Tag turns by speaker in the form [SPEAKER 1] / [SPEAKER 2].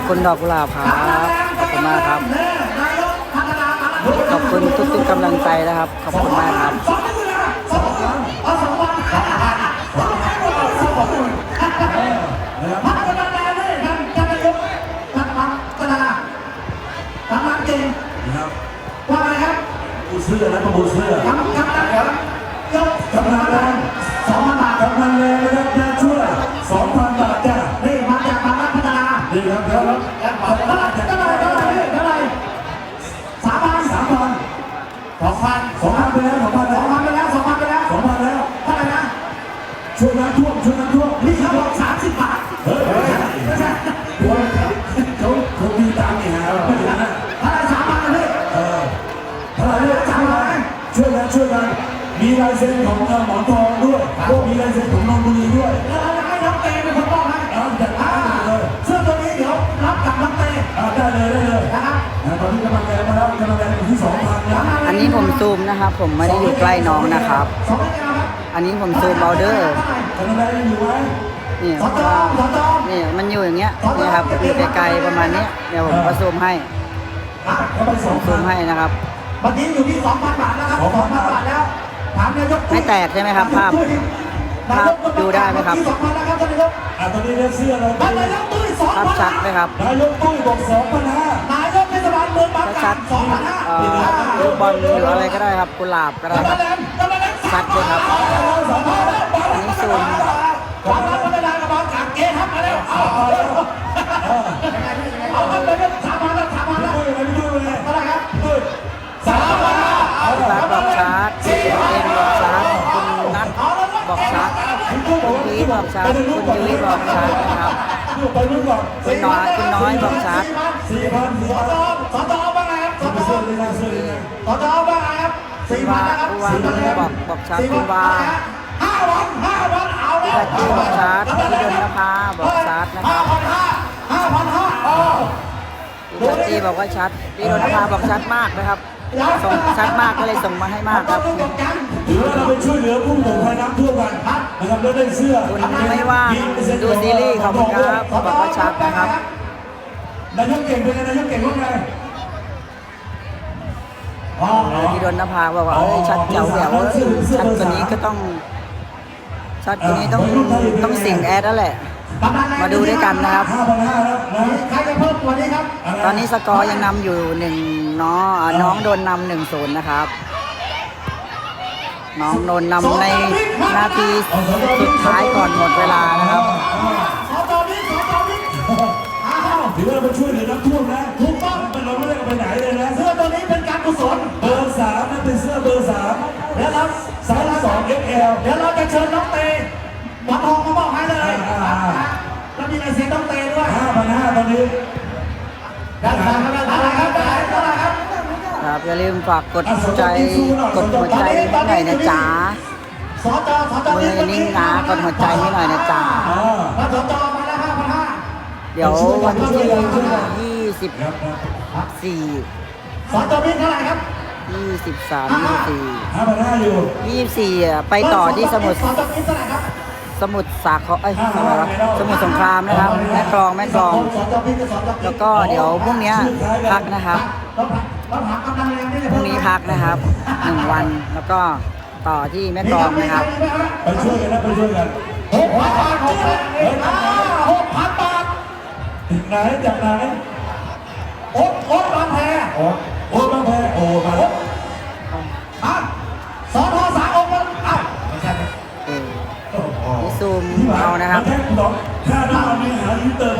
[SPEAKER 1] คุณดอกกุหลาบครับขอบคุณมากครับขอบคุณทุกๆกำลังใจนะครับขอบคุณมากครับ
[SPEAKER 2] ว่าไงครับบูเสื้อและประมูลเสื้อกำลังแรง2,000 บาทกำลังแรงนะครับจะช่วย 2,000 บาทจ้ะนี่มาจากบางรักพัฒนาดีครับแล้วเท่าไหร่3,000 2,000ไปแล้ว2,000แล้วเท่าไหร่นะช่วยน้ำท่วมนี่เขาบอก30 บาทไม่ใช่เขามีตังค์นี่ฮะไม่ใช่นะเท่าไหร่3,000เลยเท่าไหร่3,000ช่วยกันมีลายเซ็นของหมอนทองด้วยมีลายเซ็นของนนทบุรีด้วยให้น้องเตเป็นคนบอกให้เสื้อตัวนี้เดี๋ยวรับกับน้องเตได้เลยนะครับตอนนี้กำลังแรงมาแล้วกำลังแรงอยู่ที่ 2,000 นะ
[SPEAKER 1] อันนี้ผมซูมนะครับผมไม่ได้อยู่ใกล้น้องนะครับอันนี้ผมซูมเอาเดอร์นี่นี่มันอยู่อย่างเงี้ยนี่ครับอยู่ไกลๆประมาณนี้เดี๋ยวผมก็ซูมให้ซูมให้นะครับ
[SPEAKER 2] เมื่อกี้อยู่ที่ 2,000 บาทแล้วครับ 2,000 บาทแล้วถามนายก
[SPEAKER 1] ไม่แตกใช่ไหมครับภาพดูได้ไหมครับ
[SPEAKER 2] 2,000แล้วครับท่านนายกตอนนี้เสื้อเรานายกตุ้ย 2,000
[SPEAKER 1] ภาพชัดไหมครับ
[SPEAKER 2] นายกตุ้ยบอก 2,500นายกเทศบาลเมืองบางกาฬ 2,500
[SPEAKER 1] ลูกบอลหรืออะไรก็ได้ครับกุหลาบก็ได้ครับชัดเลยครับอันนี้ซูม
[SPEAKER 2] ความรักพัฒนากับบางกาฬเกทับมาแล้วเอาไปเลย3,000แล้วเท่าไหร่ครับ
[SPEAKER 1] พี่บัสบอกชาร์จเอ็มบอกชาร์จคุณนัทบอกชาร์จคุณพีทบอกชาร์จคุณยุ้ยบอกชาร์จนะครับคุณน้อยบอกชาร์จ
[SPEAKER 2] สตบ้างไงครับสตบ้างไงครับ
[SPEAKER 1] บอกชาร์จคุณวา
[SPEAKER 2] 5 วันเอา
[SPEAKER 1] พี่ตะกี้บอกชาร์จพี่ดนนภาบอกชาร์จนะครับพี่ตะกี้บอกว่าชัดพี่ดนนภาบอกชัดมากนะครับส่งชัดมากก็เลยส่งมาให้มากครับ
[SPEAKER 2] ถือว่าเราไปช่วยเหลือผู้ประสบภัยน้ำท่วมกันนะครับแล้วได้เสื้อ
[SPEAKER 1] คุณไม่ว่างดูซีรีส์ขอบคุณครับบอกว่าชัดนะครับ
[SPEAKER 2] นายกเก่งเป็นไงนายกเก่งว่าไง
[SPEAKER 1] พี่ดนนภาบอกว่าชัดเจ๋วแหววชัดตัวนี้ก็ต้องชัดตัวนี้ต้องสิงแอดแล้วแหละมาดูด้วยกันนะครับ
[SPEAKER 2] ใครจะเพิ่มตัวนี้ครับ
[SPEAKER 1] ตอนนี้สกอร์ยังนำอยู่น้องโดนนำ1-0นะครับน้องโดนนำในนาทีสุดท้ายก่อนหมดเวลานะครับ
[SPEAKER 2] ถือว่าเราช่วยเหลือน้ำท่วมนะถูกต้องเราไม่ได้ไปไหนเลยนะเสื้อตัวนี้เป็นการกุศลเบอร์3นั่นเป็นเสื้อเบอร์3แล้วครับ32 XL เดี๋ยวเราจะเชิญน้องเตหมอนทองมาบอกให้เลยแล้วมีลายเซ็นน้องเตด้วย5,500ตอนนี้อะไรครับ
[SPEAKER 1] ครับอย่าลืมฝากกดใจกดหัวใจให้หน่อยนะจ๊ะมือนิ่งนะกดหัวใจให้หน่อยนะจ๊ะเดี๋ยววันที่24
[SPEAKER 2] สจบิ๊กเท่าไหร่ครับ
[SPEAKER 1] 24ไปต่อที่สมุทรสาครสมุทรสงครามนะครับแม่กลองแล้วก็เดี๋ยวพรุ่งนี้พักนะครับพรุ่งนี้พักนะครับ1 วันแล้วก็ต่อที่แม่กลองนะครับ
[SPEAKER 2] ไปช่วยกัน6,000 บาทไหนจากไหนโอ๊ตบางแพมาแล้วสท3 องค์แล้วไม่ใช่
[SPEAKER 1] นี่ซูมเอานะครับ